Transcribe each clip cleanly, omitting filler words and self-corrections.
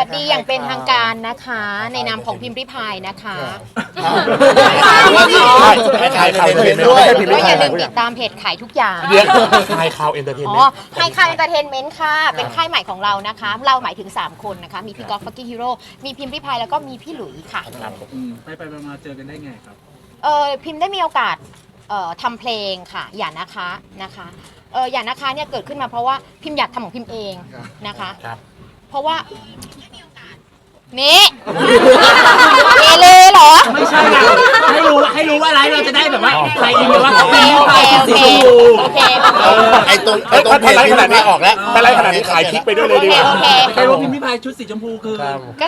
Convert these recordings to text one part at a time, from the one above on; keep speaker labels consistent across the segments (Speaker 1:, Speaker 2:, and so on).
Speaker 1: วัสดีอย่างเป็นทางการนะคะในนามของพิมพ์ริพายนะคะ
Speaker 2: ขายข่าวเอนเตอร์เทนเมนต์
Speaker 1: ก็อย่าลืมติดตามเพจขายทุกอย่าง
Speaker 2: เดี๋ยวขายข่าวเอนเตอร์เทน
Speaker 1: อ๋
Speaker 2: เม
Speaker 1: อน
Speaker 2: ต์
Speaker 1: ไฮคายเอนเตอร์เทนเมนต์ค่ะเป็นค่ายใหม่ของเรานะคะเราหมายถึง3คนนะคะมีพี่กอล์ฟฟักกิ้งฮีโร่มีพิมพ์ริพายแล้วก็มีพี่หลุยค่ะ
Speaker 3: ไปมาเจอกันได้ไงครับ
Speaker 1: พิมพ์ได้มีโอกาสทำเพลงค่ะอย่านะคะอย่านะคะเนี่ยเกิดขึ้นมาเพราะว่าพิมพ์อยากทำของพิมพ์เองนะคะเพราะว่านี่เอเลเหรอ
Speaker 3: ไม่ใช่นะให้รู้ว่าอะไรเราจะได้แบบว่าใครอินว่า
Speaker 1: โอเค
Speaker 2: ไอ้ตรงเพจขนาดนี้ออกแล้วไปไล่ขนาดนี้ขายคลิกไปด้วยเลยดีกว่า
Speaker 3: ใครรู้พิมพ์ริพายชุดสีชมพูคือ
Speaker 1: ก็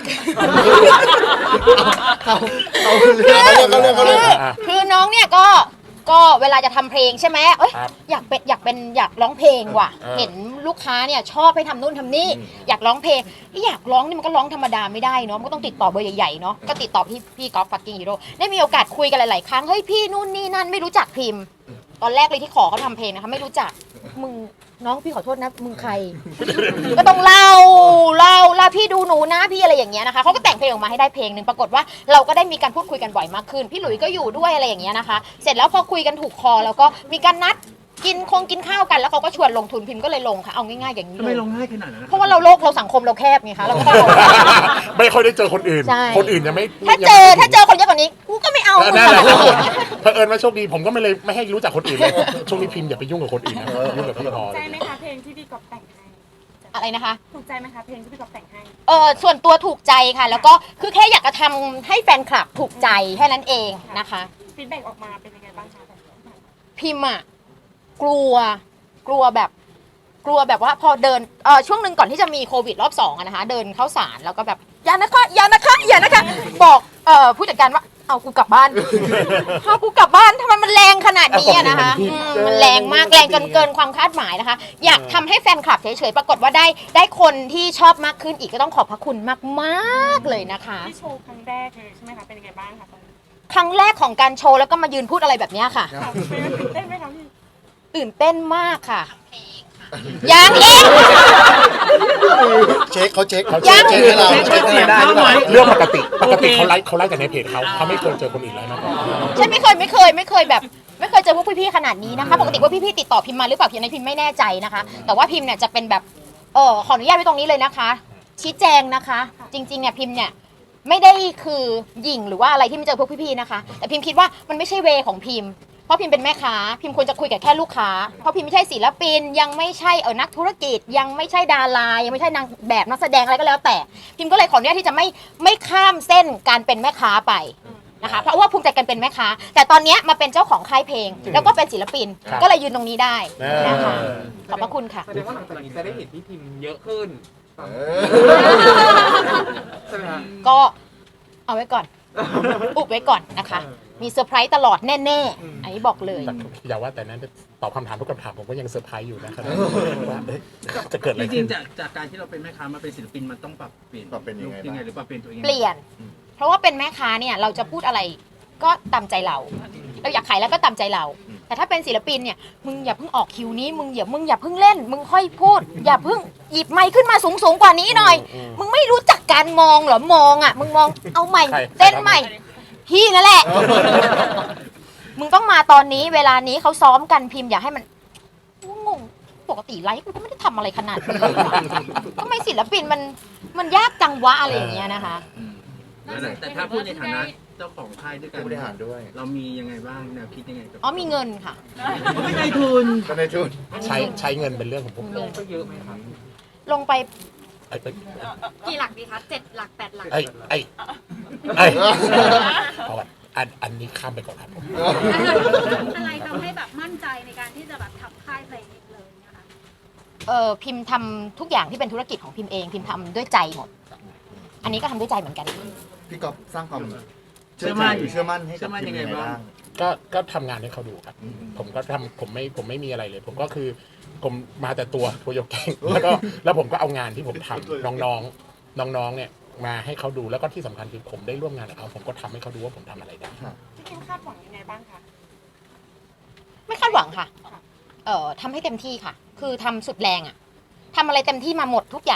Speaker 1: คือน้องเนี่ยก็เวลาจะทำเพลงใช่ไหมอยากร้องเพลงว่ะเห็นลูกค้าเนี่ยชอบให้ทำนู่นทำนี่อยากร้องเพลงอยากร้องนี่มันก็ร้องธรรมดาไม่ได้เนาะมันก็ต้องติดต่อเบอร์ใหญ่ๆเนาะก็ติดต่อพี่กอล์ฟฟักกิ้งฮีโร่ได้มีโอกาสคุยกันหลายๆครั้งเฮ้ยพี่นู่นนี่นั่นไม่รู้จักพิมพ์ตอนแรกเลยที่ขอเขาทำเพลงนะคะไม่รู้จักมึงน้องพี่ขอโทษนะมึงใครก็ต้องเล่าพี่ดูหนูนะพี่อะไรอย่างเงี้ยนะคะเขาก็แต่งเพลงออกมาให้ได้เพลงหนึ่งปรากฏว่าเราก็ได้มีการพูดคุยกันบ่อยมากขึ้นพี่หลุยก็อยู่ด้วยอะไรอย่างเงี้ยนะคะเสร็จแล้วพอคุยกันถูกคอแล้วก็มีการนัดกินข้าวกันแล้วเขาก็ชวนลงทุนพิมพ์ก็เลยลงค่ะเอาง่ายๆอย่างนี้เลย
Speaker 3: ไม่ลงง่ายขนาดนั้น
Speaker 1: เพราะว่าเราสังคมเราแคบไงคะเราก็ต้องลง
Speaker 2: ไม่ค่อยได้เจอคนอื่นคนอื่นยังไม่
Speaker 1: ถ้าเจอคนเยอะกว่านี้กูก็ไม่เอา
Speaker 2: นั่นแหละเผอิญว่าโชคดีผมก็ไม่ให้รู้จักคนอื่นเลยช่วงนี้พิมพ์อย่าไปยุ่งกับคนอื่นนะยุ่งกับพี่พอ
Speaker 4: ถูกใจไหมคะเพลงที่พี่กอล์ฟแต่งให้
Speaker 1: อะไรนะคะ
Speaker 4: ถูกใจไหมคะเพลงที่พี่กอล์ฟแต่งให้
Speaker 1: ส่วนตัวถูกใจค่ะแล้วก็คือแค่อยากจะทำให้แฟนคลับถูกใจแค่นั้นเองนะคะ
Speaker 4: ฟีดแบ็กออกมาเป็นยังไงบ้างคะ
Speaker 1: พิมพ์อะกลัวแบบว่าพอเดินช่วงหนึ่งก่อนที่จะมีโควิดรอบ2อะนะคะเดินเข้าศาลแล้วก็แบบอย่านะคะบอกผู้จัดการว่าเอากูกลับบ้านทำไมมันแรงขนาดนี้นะคะมันแรงมากแรงจนเกินความคาดหมายนะคะอยากทำให้แฟนคลับเฉยๆปรากฏว่าได้คนที่ชอบมากขึ้นอีกก็ต้องขอบพระคุณมากๆเลยนะคะ
Speaker 4: ที่โชว์ครั้งแรกเลยใช่ไหมคะเป็นยังไงบ้างคะตอนนี้
Speaker 1: ครั้งแรกของการโชว์แล้วก็มายืนพูดอะไรแบบนี้ค่ะ
Speaker 4: ตื่นเต้นไหมคะพี่
Speaker 1: ตื่นเต้นมากค่ะยังอีก
Speaker 2: เช็คให้เราเช็ค
Speaker 3: ได้
Speaker 2: เรื่องปกติเขาไล่แต่ในเพจเขาไม่เคยเจอคนอื่นไล่มาก่อน
Speaker 1: ใช่ไม่เคยแบบไม่เคยเจอพวกพี่ๆขนาดนี้นะคะปกติว่าพี่ๆติดต่อพิมพ์มาหรือเปล่าพิมพ์ไม่แน่ใจนะคะแต่ว่าพิมพ์เนี่ยจะเป็นแบบขออนุญาตไว้ตรงนี้เลยนะคะชี้แจงนะคะจริงๆเนี่ยพิมพ์เนี่ยไม่ได้คือหยิ่งหรือว่าอะไรที่ไม่เจอพวกพี่ๆนะคะแต่พิมพ์คิดว่ามันไม่ใช่เวของพิมพ์เพราะพิมพ์เป็นแม่ค้าพิมพ์ควรจะคุยกับแค่ลูกค้าเพราะพิมพ์ไม่ใช่ศิลปินยังไม่ใช่นักธุรกิจยังไม่ใช่ดารายังไม่ใช่นางแบบนักแสดงอะไรก็แล้วแต่พิมพ์ก็เลยขออนุญาตที่จะไม่ข้ามเส้นการเป็นแม่ค้าไปนะคะเพราะว่าภูมิใจกันเป็นแม่ค้าแต่ตอนนี้มาเป็นเจ้าของค่ายเพลงแล้วก็เป็นศิลปินก็เลยยืนตรงนี้ได้นะคะขอบพระคุณค่ะ
Speaker 5: แสดงว่าหลังจากนี้จะได้เห็นพี่พิมพ์เยอะขึ้นใช่ไหมคะ
Speaker 1: ก็เอาไว้ก่อนอุบไว้ก่อนนะคะมีเซอร์ไพรส์ตลอดแน่ๆอันนี้บอกเลย
Speaker 2: อย่าว่าแต่นั้นตอบคำถามทุกคำถามผมก็ยังเซอร์ไพรส์อยู่นะครับว่าจะเกิดอะไร
Speaker 3: จริ
Speaker 2: ขึ้
Speaker 3: ง
Speaker 2: น
Speaker 3: ๆจากการที่เราเป็นแม่ค้ามาเป็นศิลปินมันต้องปรับเปลี่ยนยังไงหรือปรับเปลี่ยนตัวเอง
Speaker 1: เปลี่ยนเพราะว่าเป็นแม่ค้าเนี่ยเราจะพูดอะไรก็ตามใจเราอยากขายแล้วก็ตามใจเราแต่ถ้าเป็นศิลปินเนี่ยมึงอย่าเพิ่งออกคิวนี้มึงอย่าเพิ่งเล่นมึงค่อยพูดอย่าเพิ่งหยิบไมค์ขึ้นมาสูงกว่านี้หน่อยมึงไม่รู้จักการมองเหรอมองอ่ะมึงมองเอาใหม่เต้นใหม่พี่นั่นแหละมึงต้องมาตอนนี้เวลานี้เขาซ้อมกันพิมพ์อย่าให้มันงงปกติไลฟ์กูก็ไม่ได้ทำอะไรขนาดนี้ทำไมศิลปินมันยากจังวะอะไรอย่างเงี้ยนะคะ
Speaker 3: แต่ถ้าพูดในฐานะเจ้าของค่ายด้วยกันบริหารด้วยเรามียังไงบ้างแนวคิดยังไง
Speaker 1: มีเงินค่ะ
Speaker 3: ไม่ในทุน
Speaker 2: ใช้เงินเป็นเรื่องของผม
Speaker 5: ลงไปเยอะไหมครับ
Speaker 1: ลงไป
Speaker 4: กี่หลักดีคะ7 หลัก 8 หลัก
Speaker 2: อันนี้ข้ามไปก่อนครับผม
Speaker 4: อะไรทำให้แบบมั่นใจในการที่จะแบบทำค่ายเพลงเลยนะคะ
Speaker 1: พิมพ์ทำทุกอย่างที่เป็นธุรกิจของพิมพ์เองพิมพ์ทำด้วยใจหมดอันนี้ก็ทำด้วยใจเหมือนกัน
Speaker 6: พี่ก๊อฟสร้างความเชื่อมั่นให้กับยังไงบ้าง
Speaker 2: ก็ทำงานให้เขาดูครับผมก็ทำผมไม่มีอะไรเลยผมก็คือผมมาแต่ตัวยกเก่งแล้วผมก็เอางานที่ผมทำน้องเนี่ยมาให้เขาดูแล้วก็ที่สำคัญคือผมได้ร่วมงานกับเขาผมก็ทำให้เขาดูว่าผมทำอะไรได้
Speaker 4: พี่คิมคาดหวังยังไงบ้างคะ
Speaker 1: ไม่คาดหวังค่ะทำให้เต็มที่ค่ะคือทำสุดแรงอะทำอะไรเต็มที่มาหมดทุกอย่างแล้ว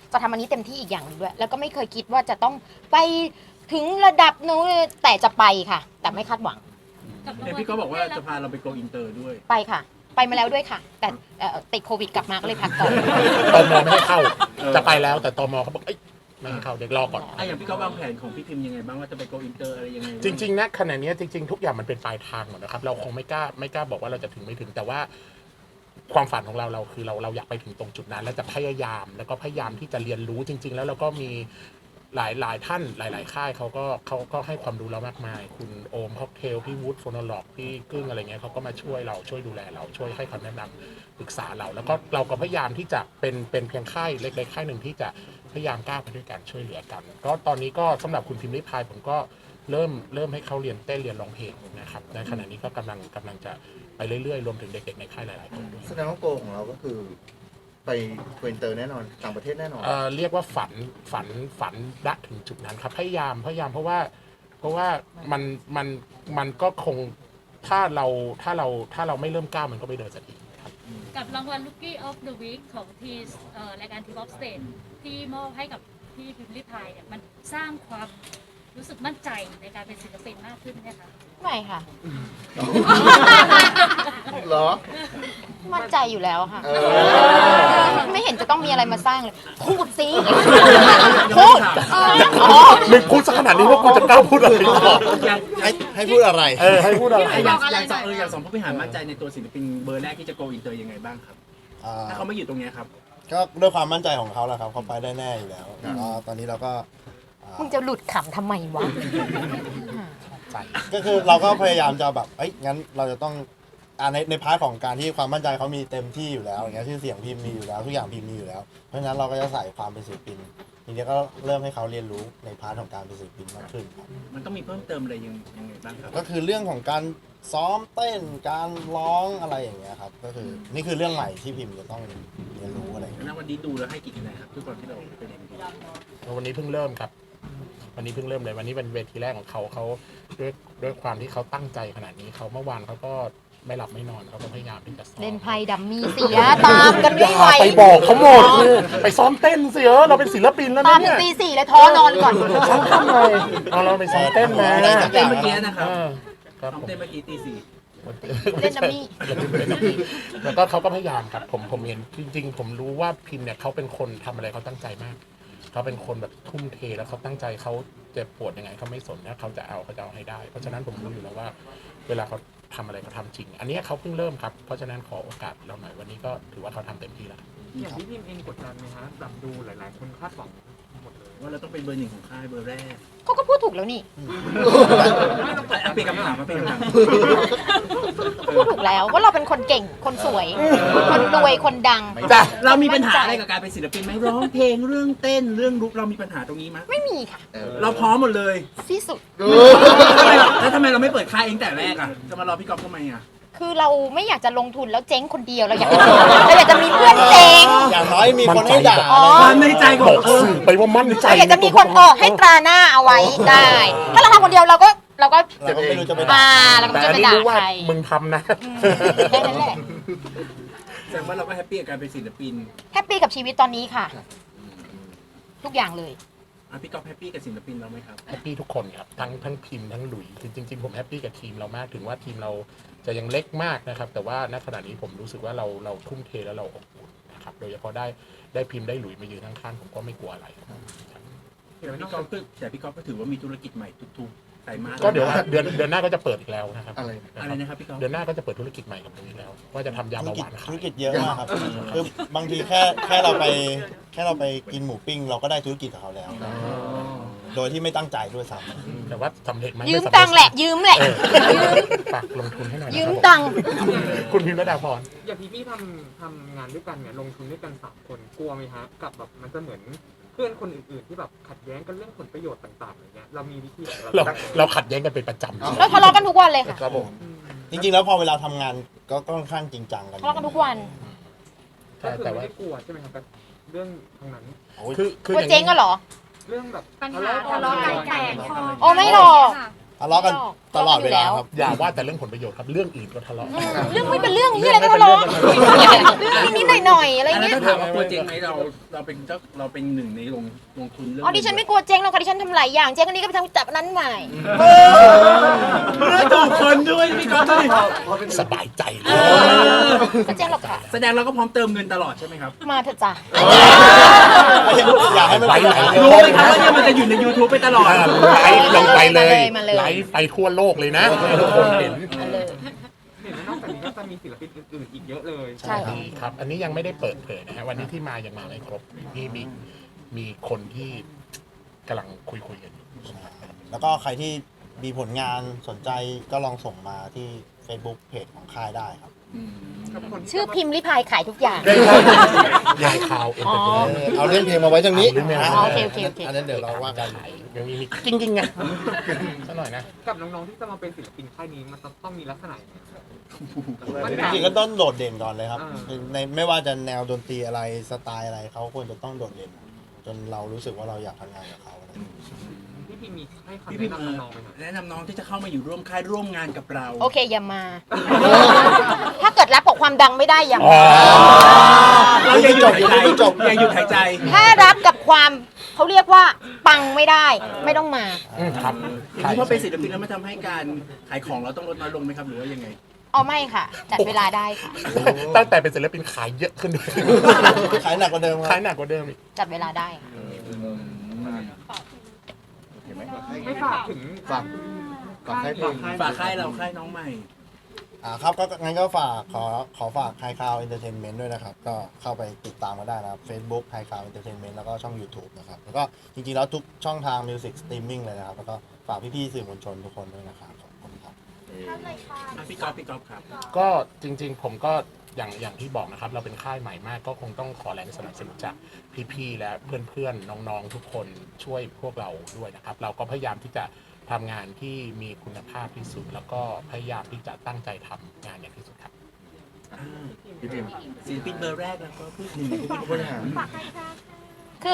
Speaker 1: จะทำอันนี้เต็มที่อีกอย่างหนึงด้วย แล้วก็ไม่เคยคิดว่าจะต้องไปถึงระดับนู้นแต่จะไปค่ะ แต่ไม่คาดหวัง
Speaker 3: เห็นพี่ก็บอกว่าจะพาเราไปโกอินเตอร์ด้วย
Speaker 1: ไปค่ะ ไปมาแล้วด้วยค่ะ แต่ติดโควิดกลับมาก็เลยพักก่อน
Speaker 2: ตมไม่ให้เข้า จะไปแล้วแต่ตมเขาบอกเอ้ยไม่ให้เข้าเด็กรอก่อน
Speaker 3: อย่างพี่ก็วางแผนของพี่พิมพ์ยังไงบ้างว่าจะไปโกอินเตอร์อะไรยังไง
Speaker 2: จริงๆนะขณะนี้จริงๆทุกอย่างมันเป็นปลายทางหมดนะครับเราคงไม่กล้าบอกว่าเราจะถึงไม่ถึงแต่ว่าความฝันของเราคือเราอยากไปถึงตรงจุดนั้น แล้วจะพยายามแล้วก็พยายามที่จะเรียนรู้จริง ๆ แล้วเราก็มีหลายท่านหลายค่ายเขาก็ให้ความรู้เรามากมายคุณโอมค็อกเทลพี่วูดโฟโนล็อกพี่กึ้งอะไรเงี้ยเขาก็มาช่วยเราช่วยดูแลเราช่วยให้คำแนะนำปรึกษาเราแล้วก็เราก็พยายามที่จะเป็นเพียงค่ายเล็กๆค่ายหนึ่งที่จะพยายามก้าวไปด้วยกันช่วยเหลือกันก็ตอนนี้ก็สำหรับคุณพิมพ์ริพายผมก็เริ่มให้เขาเรียนเต้นเรียนร้องเพลงนะครับในขณะนี้ก็กำลังจะไปเรื่อยๆรวมถึงเด็กๆในค่ายหลายๆคนด้วย
Speaker 6: แสดงว่าโกของเราก็คือไปโกอินเตอร์แน่นอนต่างประเทศแน่นอน
Speaker 2: เรียกว่าฝันละถึงจุดนั้นครับพยายามเพราะว่ามันก็คงถ้าเราไม่เริ่มก้าวมันก็ไม่เดินสักทีครับ
Speaker 7: กับรางวัล Rookie of the Week ของทีรายการ Team of Stage ที่มอบให้กับพี่พิมพ์ริพายเนี่ยมันสร้างความรู้สึกมั่นใจในการเป็นศิลปินมากขึ้นไหมคะ
Speaker 1: ไม่ค่ะ
Speaker 6: เหรอ
Speaker 1: มั่นใจอยู่แล้วค่ะ
Speaker 6: เออ
Speaker 1: ไม่เห็นจะต้องมีอะไรมาสร้างเลย พูดสิพูด
Speaker 2: มึงพูดสักขนาดนี้ว่ากูจะกล้าพูดอะไรต่อ
Speaker 6: ให้พูดอะไร
Speaker 2: ให้พูดอะไร
Speaker 3: อย่างสองผู้บริหารมั่นใจในตัวศิลปินเบอร์แรกที่จะโกอินเตอร์ยังไงบ้างครับถ้าเขาไม่อยู่ตรงเนี้ยครับ
Speaker 8: ก็ด้วยความมั่นใจของเขาแหละครับเขาไปได้แน่อยู่แล้วก็ตอนนี้เราก็
Speaker 1: มึงจะหลุดขำทำไมวะ
Speaker 8: ก็คือเราก็พยายามจะแบบงั้นเราจะต้องในพาร์ทของการที่ความมั่นใจเขามีเต็มที่อยู่แล้วอย่างเงี้ยชื่อเสียงพิมพ์มีอยู่แล้วทุกอย่างพิมพ์มีอยู่แล้วเพราะฉะนั้นเราก็จะใส่ความเป็นศิลปินทีนี้ก็เริ่มให้เขาเรียนรู้ในพาร์ทของการเป็นศิลปินมากขึ้นครับ
Speaker 3: มันต้องมีเพิ่มเติมอะไรยังไงบ้างครับ
Speaker 8: ก็คือเรื่องของการซ้อมเต้นการร้องอะไรอย่างเงี้ยครับก็คือนี่คือเรื่องใหม่ที่พิมพ์จะต้องเรียนรู้อะไรอย่างเงี้ย
Speaker 3: แล้ววันนี้ดูแล้วให้กี่คะแนนครับทุกคนที่เราไปเรียนดู
Speaker 2: วันนี้เพิ่งเริ่มครับวันนี้เพิ่งเริ่มเลยวันนี้เป็นเวทีแรกของเขาด้วยความที่เขาตั้งใจขนาดนี้เขาเมื่อวานเขาก็ไม่หลับไม่นอนเขาก็พยายามที่จะซ้อม
Speaker 1: เล่นไพ่ดัมมี่เสียตามกันไม่ไหว
Speaker 2: ไปบอกเขาหมดไปซ้อมเต้นสิเราเป็นศิลปินแล้ว
Speaker 1: ตา
Speaker 2: นะ
Speaker 1: มถึ
Speaker 2: เนี่
Speaker 1: ง
Speaker 2: ย
Speaker 1: ตี 4เลยท้อนอนก่อน
Speaker 2: ซ้อมทำเลยเราไปซ้อมเต้นมา
Speaker 3: เต้นเมื่อกี้นะครับ
Speaker 2: ครับ
Speaker 3: เต้นเมื่อกี้ตี 4
Speaker 1: เล่นดัมมี่
Speaker 2: แล้วก็เขาก็พยายามครับผมเห็นจริงๆผมรู้ว่าพิมเนี่ยเขาเป็นคนทำอะไรเขาตั้งใจมากเขาเป็นคนแบบทุ่มเทแล้วเขาตั้งใจเขาเจ็บปวดยังไงเขาไม่สนนะเขาจะเอาให้ได้เพราะฉะนั้นผมรู้อยู่แล้วว่าเวลาเขาทำอะไรเขาทำจริงอันนี้เขาเพิ่งเริ่มครับเพราะฉะนั้นขอโอกาสเราหน่อยวันนี้ก็ถือว่าเขาทำเต็มที่แล้ว
Speaker 5: อย่างที่พิมพ์เองกดดันไหมฮะแบบดูหลายๆคนคาดหวังหมดเลย
Speaker 3: ว่าเราต้องเป็นเบอร์ 1ของค่ายเบอร์แรก
Speaker 1: เขาก็พูดถูกแล้วนี่
Speaker 3: เปลี่ยนคำถามมาเป็นคำถาม
Speaker 1: พูดถูกแล้วว่าเราเป็นคนเก่งคนสวย คนรวยคนดัง
Speaker 2: จ้ะ
Speaker 3: เรามีปัญหาอะไรกับการเป็นศิลปินไหมร้องเพลงเรื่องเต้นเรื่องลุกเรามีปัญหาตรงนี้ไหม
Speaker 1: ไม่มีค่ะ
Speaker 3: เราพร้อมหมดเลย
Speaker 1: ที่สุด
Speaker 3: แล้วทำไมเราไม่เปิดค่ายเองแต่แรกอ่ะจะมารอพี่ก๊อฟทำไมอ่ะ
Speaker 1: คือเราไม่อยากจะลงทุนแล้วเจ๊งคนเดียวเราอยากจะมีเพื่อนเจ๊ง
Speaker 8: อย่างน้อยมีคนให้ด่า
Speaker 1: อ๋อ
Speaker 3: ความในใจข
Speaker 2: บ
Speaker 3: อ
Speaker 2: อง กสื่อไปว่ามั่นใจ
Speaker 1: เราอยากจะมีคนให้ตราหน้าเอาไว้ได้ ถ้าเราทำคนเดียวเราก็
Speaker 8: เราก็ไม่รู้จะไปด่า
Speaker 1: เราก็
Speaker 2: แต่
Speaker 1: จะ
Speaker 2: อัน
Speaker 1: ไป
Speaker 2: นี้
Speaker 1: ด่า
Speaker 2: รู้ว่า
Speaker 1: ใคร
Speaker 2: มึงทำนะ
Speaker 1: แค่นั้นแหละ
Speaker 3: แสดงว่าเราก็แฮปปี้กับการเป็นศิลปิน
Speaker 1: แฮปปี้กับชีวิตตอนนี้ค่ะ ทุกอย่างเลย
Speaker 3: พี่ก๊อฟแฮปปี้กับศิลปินเราไหมครับ
Speaker 2: แฮปปี้ทุกคนครับทั้งพิมพ์ทั้งหลุยจริงๆผมแฮปปี้กับทีมเรามากถึงว่าทีมเราจะยังเล็กมากนะครับแต่ว่าณขณะนี้ผมรู้สึกว่าเราทุ่มเทแล้วเราอบอุ่นนะครับโดยเฉพาะได้พิมพ์ได้หลุยมายืนข้างๆผมก็ไม่กลัวอะไรครับ
Speaker 3: แต่พี่ก๊อฟก็ถือว่ามีธุรกิจใหม่ทุกๆไตรมาส
Speaker 2: ก็เดี๋ยวเดือนหน้าก็จะเปิดอีกแล้วนะครับ
Speaker 3: อะไรนะครับพี่ก๊อฟ
Speaker 2: เดือนหน้าก็จะเปิดธุรกิจใหม่กับผมอีกแล้วว่าจะทำยา
Speaker 8: ธุร
Speaker 2: เบาห
Speaker 8: กิจ
Speaker 2: วาน
Speaker 8: ธุ
Speaker 2: ขาร ย
Speaker 8: กิจเยอะมากครับคือบางทีแค่เราไปกินหมูปิ้งเราก็ได้ธุรกิจกับเขาแล้ว โดยที่ไม่ตั้งใจด้วยซ้ำ
Speaker 2: แต่ว่าสำเร็จไหม
Speaker 1: ยืม
Speaker 2: ไสำเร็จ
Speaker 1: ตังค์แหละ ยืมแหละ
Speaker 2: ฝากลงทุนให้หน่อยนะ
Speaker 1: ยืมตังค์
Speaker 2: คุณพิมพ์ระดาพร
Speaker 5: อย่างพี่ทำงานด้วยกันเนี่ยลงทุนด้วยกัน3 คนกลัวไหมฮะกับแบบมันจะเหมือนเพื่อนคนอื่นๆที่แบบขัดแย้งกันเรื่องผลประโยชน์ต่างๆอย่างเงี้ยเรามีวิธีของเรา
Speaker 2: เราขัดแย้งกันเป็นประจำ
Speaker 1: เราทะเลาะกันทุกวันเลยค่ะ
Speaker 2: ครับผม
Speaker 8: จริงๆแล้วพอเวลาทำงานก็ค่อนข้างจริงจังกัน
Speaker 1: ทะเลาะกันทุกวัน
Speaker 5: ก็คือ
Speaker 2: แต่
Speaker 5: ไม่
Speaker 2: ว่า
Speaker 5: ได้กลัวใช่ไหมครับกับเรื่องทางนั้น
Speaker 2: คือ
Speaker 1: ว่าเจ๊งก็เหรอ
Speaker 5: เรื่องแบบ
Speaker 4: ปัญหาทะเลาะกันแตกคอ
Speaker 1: โอ้ไม่หรอก
Speaker 8: ทะเลาะกันตลอดเวลาครับ
Speaker 2: อย่าว่าแต่เรื่องผลประโยชน์ครับเรื่องอื่นก็ทะเลาะ
Speaker 1: เรื่องไม่เป็นเรื่องที่อะไรก็ทะเลาะเรื่องนิดๆหน่อยๆอะไร
Speaker 3: อันนั้น
Speaker 1: เงี้ย
Speaker 3: ถ้าถามว่ากลัวเจ๊งไหมเราเป็นเจ้าเราเป็นหนึ่งในลงทุนเรื่อง
Speaker 1: อ๋อดิฉันไม่กลัวเจ๊งหรอกค่ะดิฉันทำหลายอย่างเจ๊งอันนี้ก็ไปทำจับอันนั้นใหม่
Speaker 3: ไม่ถูกคนด้วยพี่ก๊อฟด้วย
Speaker 2: สบายใจเลย
Speaker 1: ก็เจ๊งหรอกค่ะ
Speaker 3: แสดงเราก็พร้อมเติมเงินตลอดใช่ไหมครับ
Speaker 1: มาเถอะจ้ะ
Speaker 8: อยากให้มันเป็นอย่างนั้น
Speaker 3: รู้ไหมครับว่าเนี่ยมันจะอยู่ใน YouTube ไปตลอด
Speaker 2: ไลฟ์ลงไปเลย
Speaker 1: มาเลย
Speaker 2: ไลฟ์ไปทั่วโลกเลยนะให้ทุกคนเห็น
Speaker 1: มาเลย
Speaker 5: เห็นว่านอกจากนี้ก็จะมีศิลปินอื่นๆอีกเยอะเลย
Speaker 1: ใช่ค่ะ
Speaker 2: มีครับ อันนี้ยังไม่ได้เปิดเผยนะฮะวันนี้ที่มายังมาไม่ครบนี่มีคนที่กำลังคุยกันอยู่
Speaker 8: แล้วก็ใครที่มีผลงานสนใจก็ลองส่งมาที่ Facebook เพจของค่ายได้ครับ
Speaker 1: ชื่อพิมพ์ริพายขายทุกอย่าง
Speaker 2: ยายข่าวเอ็น
Speaker 1: อ๋
Speaker 2: เต
Speaker 1: อ
Speaker 2: อร์เทนเมนต์
Speaker 8: เอาเรื่องเพลงมาไว้ตรงนี้
Speaker 2: เอาเรื่องเพลงมา
Speaker 1: อ๋อโอเคโอเคโอเค
Speaker 8: อันนั้นเดี๋ยวเราว่ากัน
Speaker 2: ยังมีจริงๆไงสักหน่อยนะ
Speaker 5: กับน้องๆที่จะมาเป็นศิลปินค่ายนี้มันต้องมีลักษณะยังไง
Speaker 8: จริงๆก็ต้องโดดเด่นก่อนเลยครับ
Speaker 5: อ่า
Speaker 8: ในไม่ว่าจะแนวดนตรีอะไรสไตล์อะไรเขาควรจะต้องโดดเด่น จนเรารู้สึกว่าเราอยากทำงานกับเขาอะไรอย่างเงี้ย
Speaker 5: พี่พีมีให้คำ
Speaker 3: พี่
Speaker 5: แนะ
Speaker 3: พิม
Speaker 5: นำน้องๆไหมครับ
Speaker 3: แนะนำน้องที่จะเข้ามาอยู่ร่วมค่ายร่วมงานกับเรา
Speaker 1: โอเคอย่ามา ถ้าเกิดรับกับความดังไม่ได้อย่า
Speaker 2: อ๋อ
Speaker 1: มา
Speaker 3: เราอย่าหยุดหายใจอย่าหยุดหายใจ
Speaker 1: ถ้ารับกับความเขาเรียกว่าปังไม่ได้ไม่ต้องมา
Speaker 2: ครับ
Speaker 3: อย่างนี้พอเป็นศิลปินแล้วมันทำให้การขายของเราต้องลดน้อยลงไหมครับหรือว่ายังไง
Speaker 1: เอาไม่ค่ะ จัดเวลาได้ค่ะ
Speaker 2: ตั้งแต่เป็นศิลปินขายเยอะขึ้นด้วย
Speaker 8: ขายหนักกว่าเดิมค
Speaker 2: ขา
Speaker 8: รั
Speaker 2: ย
Speaker 8: บ
Speaker 2: หนักกว่าเดิมอีก
Speaker 1: จัดเวลาได้ค่ะ
Speaker 5: ไม่ฝากถึง
Speaker 6: ฝากให้เพลง
Speaker 3: ฝากค่ายเราค่ายน้องใหม่
Speaker 8: ครับก็งั้นก็ฝากขอฝากไฮคาวเอนเตอร์เทนเมนต์ด้วยนะครับ ก็เข้าไปติดตามมาได้นะครับ Facebook ไฮคาวเอนเตอร์เทนเมนต์แล้วก็ช่อง YouTube นะครับ แล้วก็จริงๆแล้วทุกช่องทางมิวสิกสตรีมมิ่งเลยนะครับ แล้วก็ฝากพี่ๆสื่อมวลชนทุกคนด้วยนะครับขอบคุณครับ
Speaker 3: พี่ก๊อฟครับ
Speaker 2: ก็จริงๆผมก็อย่างที่บอกนะครับ เราเป็นค่ายใหม่มาก ก็คงต้องขอแรงสนับสนุนจากพี่ๆและเพื่อนๆน้องๆทุกคนช่วยพวกเราด้วยนะครับ เราก็พยายามที่จะทำงานที่มีคุณภาพที่สุด แล้วก็พยายามที่จะตั้งใจทำงานอย่างที่สุดครับ
Speaker 6: พี่พิม
Speaker 3: ศิลปินเบอร์แรกแล้วก็พูดถึง
Speaker 6: ผู้บริหาร
Speaker 1: คือ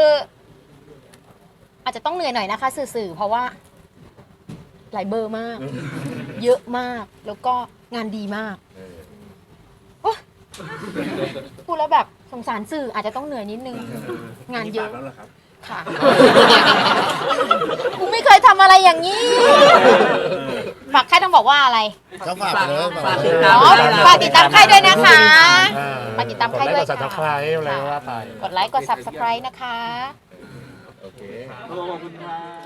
Speaker 1: อาจจะต้องเหนื่อยหน่อยนะคะสื่อๆเพราะว่า หลายเบอร์มาก เยอะมากแล้วก็งานดีมากโอ๊ยพูดแล้วแบบสงสารสื่ออาจจะต้องเหนื่อยนิดนึง งานเยอะ
Speaker 3: แล้วเหรอครับ
Speaker 1: ค่ะ กูไม่เคยทำอะไรอย่างนี้ ฝากค่ายต้องบอกว่าอะไร
Speaker 8: ก็ฝากไปเลย
Speaker 3: ฝากติดตาม
Speaker 1: อ๋อฝากติดตามค่ายด้วยนะคะ ฝากติดตามค่ายด้วย
Speaker 2: กดไลค์กด subscribe อะไรก็ว่าไป
Speaker 1: กดไลค์กด subscribe นะคะ
Speaker 6: โอเค
Speaker 5: ขอบคุณครับ